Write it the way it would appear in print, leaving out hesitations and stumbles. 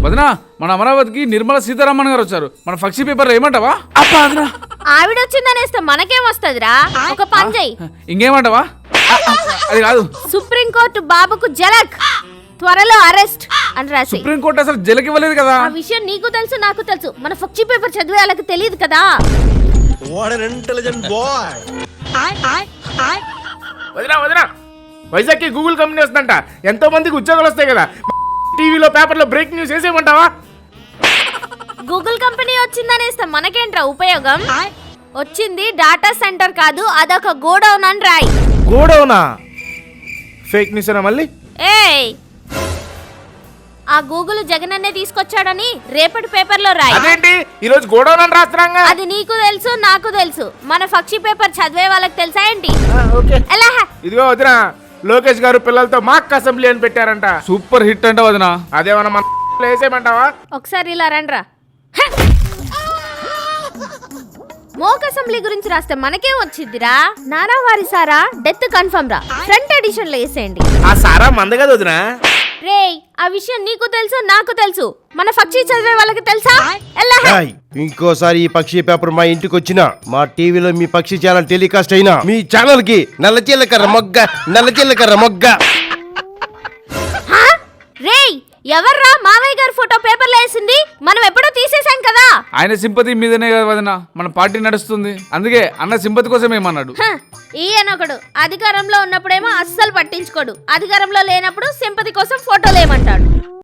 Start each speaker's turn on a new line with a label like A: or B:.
A: వదినా మన అమరావతికి నిర్మలా సీతారామన్ గారు వచ్చారు. మన పక్షి పేపర్ ఏమంటావా? అబ్బా వదినా
B: ఆవిడ వచ్చిందనేస్తే మనకేం వస్తుందిరా? ఒక పని చెయ్యి.
A: ఇంకేమంటావా? అది కాదు,
B: సుప్రీంకోర్టు బాబుకు జలక్ త్వరలో అరెస్ట్ అని రాసి.
A: సుప్రీంకోర్టు అసలు జలకి ఇవ్వలేదు కదా.
B: ఆ విషయం నీకు తెలుసు, నాకు తెలుసు. మన పక్షి పేపర్ చదివే వాళ్ళకి తెలియదు కదా.
C: వదినా వదినా, వైజాగ్కి గూగుల్ కంపెనీ వస్తుందంట. ఎంతో మందికి ఉద్యోగాలు వస్తాయి కదా. టీవీలో పేపర్లో బ్రేక్ న్యూస్ వేసేయమంటావా?
B: గూగుల్ కంపెనీ వచ్చిందనేస్తే మనకేంట్రా ఉపయోగం? వచ్చింది డాటా సెంటర్ కాదు, అదొక గోడౌన్ అని రాయి.
C: గోడౌనా? ఫేక్ న్యూస్ అనా మళ్ళీ?
B: ఏయ్, ఆ గూగుల్ జగనన్నే తీసుకొచ్చాడని రేపటి పేపర్లో రాయి.
C: అదేంటి ఈరోజు గోడౌన్ అని రాస్తున్నాగా?
B: అది నీకు తెలుసు, నాకు తెలుసు. మన పక్షి పేపర్ చదివే వాళ్ళకి తెలుసా ఏంటి?
C: ఓకే.
B: ఎలా?
C: ఇదిగో వదినా, లోకేష్ గారు పిల్లలతో మాక్ అసెంబ్లీ అని పెట్టారంట.
A: సూపర్ హిట్ అంట వదినా.
C: అదేమన్నా మన వేసేయమంటావా?
B: ఒకసారి ఇలా రండ్రా. మోక్ అసెంబ్లీ గురించి రాస్తే మనకేం వచ్చిందిరా? నానా వారి సారా డెత్ కన్ఫర్మ్ రా, ఫ్రంట్ ఎడిషన్ లో వేసేయండి.
C: ఆ సారా మంద కదా వదినా.
B: రేయ్, ఆ విషయం నీకు తెలుసు, నాకు తెలుసు. మన పక్షి చదివే వాళ్ళకి తెలుసా? ఎలా?
D: ఇంకోసారి ఈ పక్షి పేపర్ మా ఇంటికి వచ్చినా, మా టీవీలో మీ పక్షి ఛానల్ టెలికాస్ట్ అయినా, మీ ఛానల్ కి నల్ల జీలకర్ర మొగ్గ.
B: రేయ్, ఎవర్రా మావయ్య గారి ఫోటో పేపర్లో వేసింది? మనం ఎప్పుడో తీసేసాం కదా.
A: ఆయన సింపతి మీదనే కదా వదినా మన పార్టీ నడుస్తుంది. అందుకే అన్న సింపతి కోసం ఏమన్నాడు.
B: ఈయనొకడు అధికారంలో ఉన్నప్పుడేమో అస్సలు పట్టించుకోడు, అధికారంలో లేనప్పుడు సింపతి కోసం ఫోటోలు ఏమంటాడు.